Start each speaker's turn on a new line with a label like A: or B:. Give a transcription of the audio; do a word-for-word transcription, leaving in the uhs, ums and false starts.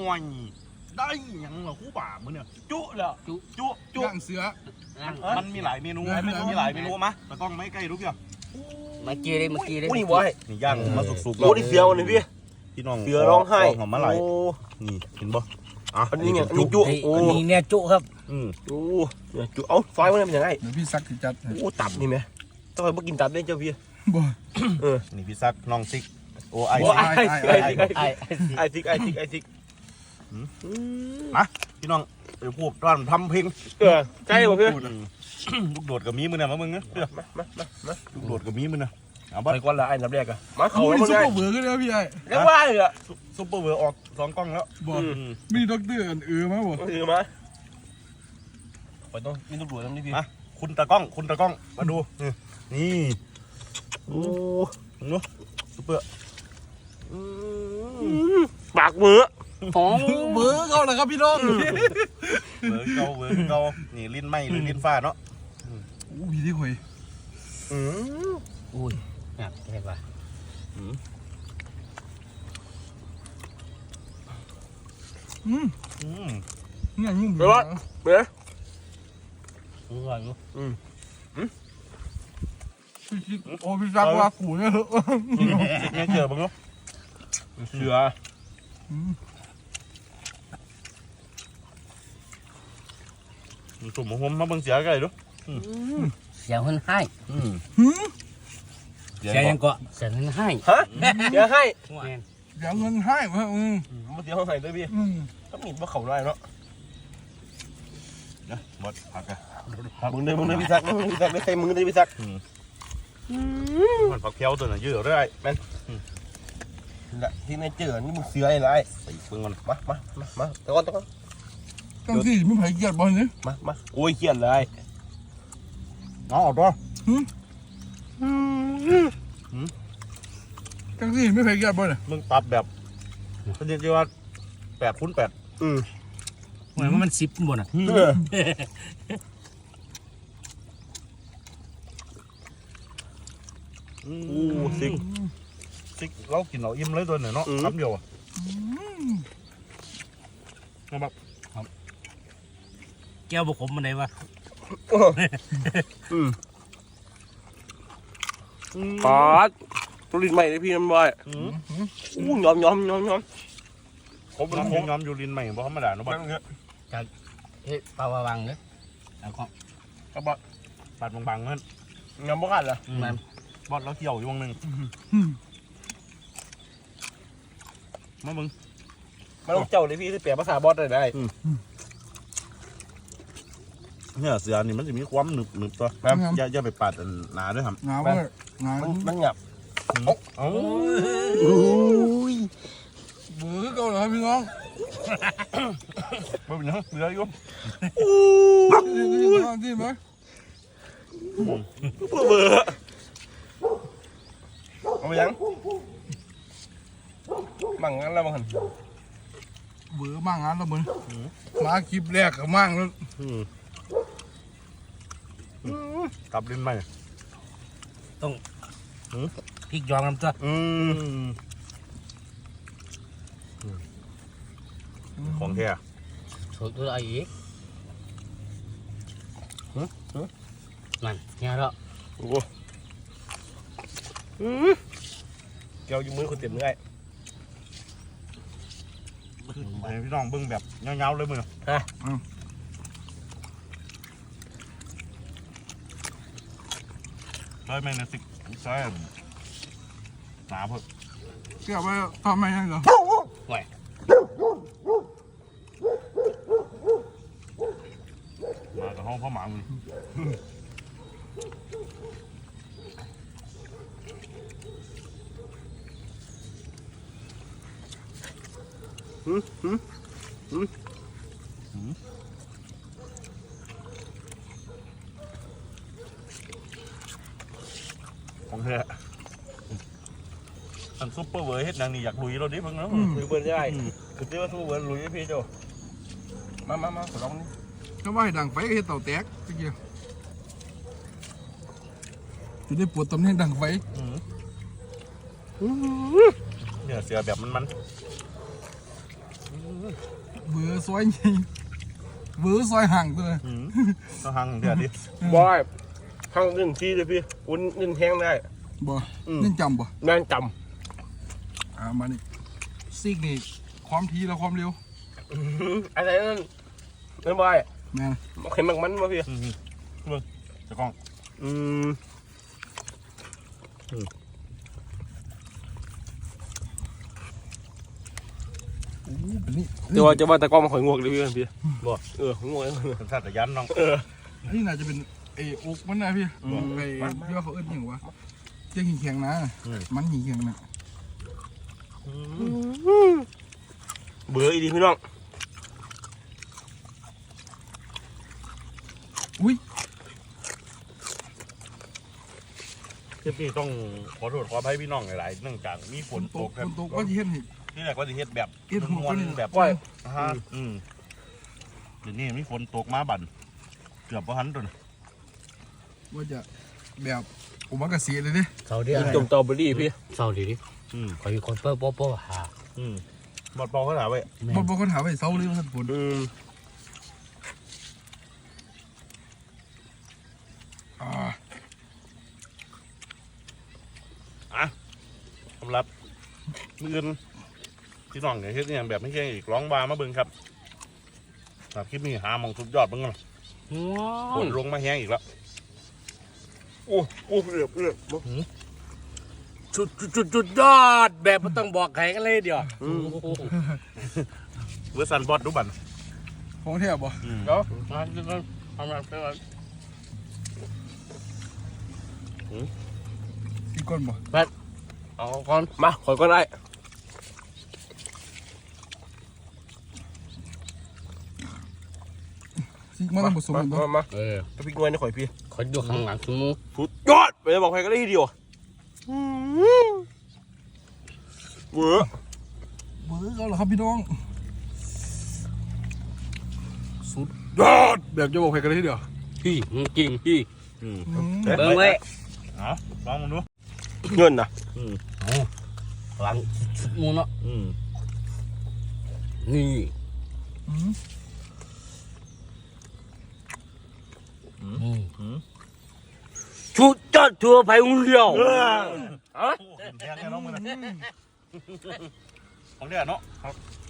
A: วยได้ยังเหรอคู่ป่ามึงเนี่ยจุแล้วจุจุจุ
B: ย่างเสือ
A: มันมีหลายเมนูมีหลายเมนูมะแต่ต้องไม่ใกล้รู้ยัง
C: เมื่อกี้เลยเมื่อกี้เลย
D: นี่วะ
A: นี่ย่างมาสุกๆ
D: โอ้นี่เสือวันนี้พี่
A: พี่น้อง
D: เสือร้องไห้
A: หอมมาไหลนี่เห็นบ่อ่ะ
D: อันนี้เนี่ยอันนี้จุโอ้
C: อันนี้เนี่ยจุครับ
A: อืม
D: โอ้จุเอาซอยมันเป็นยังไง
B: เดี๋ยวพี่ซักสิจัด
D: โอ้ตับนี่ไหมต้องไปกินตับได้เจ้าพี่
B: บ่
D: เออ
A: นี่พี่ซักน้องซิกโอ้ไอ
D: โอ้ไอ้ไอ้ไอ้
C: ไอ้
D: ไอ้ซิกไอ้ซิกไอ้ซิก
A: มาพี่น้องไปพูดร้านทำเพลง
D: เออใช่ป่ะพี่
A: ลูกโดดกับมีมือเนี่ยมามึงนะเด้อ
D: มามามามา
A: ลูกโดดกับมีมือเนี่ยเอา
D: ไป
A: บัด
D: ก่อนละไอ้นับแรกอะมา
B: เขา
D: เขา
B: ไม่
D: แล้ว
B: ซุป
D: ไง
B: เปอร์เวอร์กันเลยพี่ไอ้
D: เรียกว่าเลยอะ
A: ซุปเปอร์เวอร์ออกสองกล้องแล้ว
B: บ่
D: อืม
B: มีด็อกเตอร์อันเออมาบ่
D: ถือมาไปต้องมีตำรวจทำนี่พี่
A: คุณตากล้องคุณตากล้องมาดูนี่โอ้โหซุปเปอร์
D: ปากมือ
C: หอม
B: เบอร์เขาแหละครับพี่น้อง
A: เวอร์เกาเวอร์เกานี่ลิ้นไหมหรือลิ้นฟ้าเนาะ
B: โอ้พี่ที่หอย
D: อืม
C: อุ้ยเนี่ยเห็นป่ะ
B: อืม
A: อืม
B: เนี่ยยุ่ง
D: ไปวะเบ้อ
C: อร่อยอยู่
B: โอ้พี่ซักว่ากูเนี่ยเหรอ
A: แม่เจอบ้างเนาะเสือสุ่มหัวมาเบิ่งเสียไก่ดู
C: เสียงคนให้
A: เสีย
C: เสียงยังเกาะเสียงคนให้
D: ฮะเดี๋ยวให้
B: เดี๋ยวเงินให้มาอืม
D: มาเดี๋ยวให้ด้วยพี่
B: อืม
D: ต้องมีว่าเขาได้เนาะ
A: นะหมดผักอะ
D: มึงเดินมึงเดินพี่ซักมึงเดินพี่ซักไม่ใช่มึงเดินพี่ซัก
A: มันผักเคี้ยวตัวน่ะเยอะเรื่อย
D: ละที่ในเจอนี่มึงเสืออะไร
A: ใส่เบิ่งก่อน
D: มามามามาตะก้อนตะก้อน
B: ตั้งที่ไม่ไผ่เกียรติบอลเนี่ย
D: มามาโอ้ยเขียนเลย
A: เอาออกตัว
B: ตั้งที่ไม่ไผ่เกียรติบอลเนี่ย
A: มึงปรับแบบเขาเรียกว่าแปดคูณแปด
D: อืม
C: เหมือนว่ามันซิปบนอ่ะ
A: อู้ซิกซิกเรากินเราอิ่มเลยตัวหนึ่งเนาะคำเดียวอ่ะเอาแบบ
C: แก้วบุกขมมันไหนวะ
D: อืมปาดตัวลิ้นใหม่เลยพี่น้ำบอยอู้ยอมยอมยอมยอม
A: ผมน้ำย้อมอยู่ลินใหม่เพราะธรรมดาเนาะบ้าน
C: เฮ้ยปลาวางเลยเอาของ
A: ก็บอดปาดบางๆเงิน
D: ยอมบ่กันเหรอ
C: มัน
A: บอดเราเที่ยวอยู่วงหนึ่งมามึง
D: มาลงเจ้าเลยพี่ที่เปลี่ยนภาษาบอสได้ได้
A: เนี่ยเสือนี่มันจะมีความหนึบหนึบตัวอย่าอย่าไปปาดหนาด้วยครับ
B: งาเว้ยงา
D: มันมันหยับ
A: เอ้า
B: เบอร์เขาเหรอครับพี่น้อง
A: ไม่เป็นไรเสืออยู่
B: ที่ที่ที่ไหม
D: เบื่อเบื่อเอาไปยังบังงั้นแล้วบังหัน
B: เบอร์มั่งงานแล้วมึงมาคลิปแรกกับมั่งแล้ว
A: กลับลินใหม่
C: พริกยอมน้ำตัว
A: อืมของแท้
C: ถูกตัวไอ้อีกมันเนี่ยแล้ว
D: โอ้เกี่ยวอยู่มือคนเต็มเลย
A: พี่น้องเบิ้งแบบเงาๆเลยมึงใช่ไหมนะสิใช่หนาเพิ่ม
B: เกี่ยวไปทำไมยังเหรอ
A: มากับห้องพ่อหมามึง
D: หืมหืมหืม
A: ของแท้อันซุปเปอร์เวอร์เฮ็ดนางนี่อยากลุยเราดิเพิ่งเนาะ
D: ลุยเบิร์นได้คือที่ว่าสู้เบิร์นลุยพี่โจมามามาขอลองนี่
B: ก็ว่าให้ดังไฟก็เห็นเต่าแตกตะเกียบจะได้ปวดตำแหน่งดังไฟ
A: เนี่ยเสือแบบมันมัน
B: ซอยใหญ่เวอร์ซอยห่างตัว
A: อืมต้องหังเดี๋ยวดิ
D: บอยทางเงินที่เลยพี่อุ้นเงินแห้งได้
B: บ่นี่จำบ่
D: แม่นจ
B: อ่ามานี่ซิกนี่ความทีและความเร็ว
D: ำอะไรนั่นนั่นบอย
B: แม่น
D: เข็มมันมันมาพี่
A: อืมเบิ่งตะกล้อง
D: อืม
B: โอ้เป็นนี่
D: จะว่าจะว่าตะกร้อมาข่อยงวกเลยพี่พี่บอกเออข่อยงวกเอง
A: สัญชาตญาณน้อง
D: เออ
B: อันนี้น่าจะเป็นไอ้อกมันนะพี่ไอ้ที่ว่าเขาเอิ้นหยังวะเจ๊งแข็งๆนะมันหิงแข็งนะ
D: เบื่ออีดีพี่น้อง
B: อุ้ย
A: คลิปนี้ต้องขอโทษขออภัยพี่น้องหลายๆเนื่องจากมีฝ
B: ฝ
A: น
B: น
A: ต
B: ต
A: ก
B: ก
A: ครั
B: ฝ
A: บ
B: นตกว่าสิเฮ็ดให้
A: ที่แรกว่าจะเฮ็ดแบบ
B: เฮ็ดหัว
A: ม้วน
B: นี่
A: ๆแบบ
B: ก้อย
A: ฮะอืมเดี๋ยวนี้มีฝนตกมาบั่นเกือบบ่ทันตัวน่ะ
B: ว่าจะแบบผมว่ากระเสียเลยเด้
C: เสาเดียว
D: จมตอเบอรี่พี่
C: เสาดีดิ
A: อืม
C: คอยคนเปิ้ลโป๊ะโป๊ะหา
A: อืมบอดเปอเขาถามไว้
C: แม่
B: บ่บ่คนถามว่าเซาเลยว่าท่านฝน
D: อืม
B: อ่า
A: สำหรับมื้ออื่นพี่น้องเนี่ยเฮ็ดอหย่างแบบไม่เก่งอีกร้องบามาเบิ่งครับครับคลิปนี้หาหมองสุดยอดเบิ่งกัน
C: ว้า
A: ฝ
C: วน
A: ลงมาแห้งอีกแล้ว
D: โอ้โอ้เรียบเรียบ
C: จุดจุดจุดจุดยอดแบบไม่ต้องบอกใครกันเลยเดี๋ยว
D: อืม
A: เวอร์ซันบอดดูบั่น
B: ของแท้บ่
A: อืม
C: เดี๋ยวมาดูกันทำอะไรไปก่อน
B: อีกคนบ่
C: เอาก่อน
D: มาข่อยก็ได้
B: ซิกมาต้องผสม
D: มา
B: กันบ่
D: มามา
C: เออ
D: พริกน้อยนี่ข่อยพี่
C: คอยดูข้างหลังสมู
D: สุดยอดไปจะบอกใครก็ได้ทีเดียวเบื่อ
B: เบิ่งเอาล่ะครับพี่น้องสุดยอดแบบจะบอกใครกันเลยทีเดียว
C: พี่จริงพี่
A: อืม
B: อืม
C: เบิ้งไว้
A: เอาลองมึงดู
D: เงินนะ
A: อืม
C: หลังชุดมูเนาะ
A: อืม
C: นี่
B: อืม
A: อืม
C: อืม
A: อืม
C: ชุดจอดทัวร์ไปอุ้งเดียว
A: เออ
C: ฮะ
A: โอ้เห็นแทงแน่น้องมึงนะของเดียเนาะครับ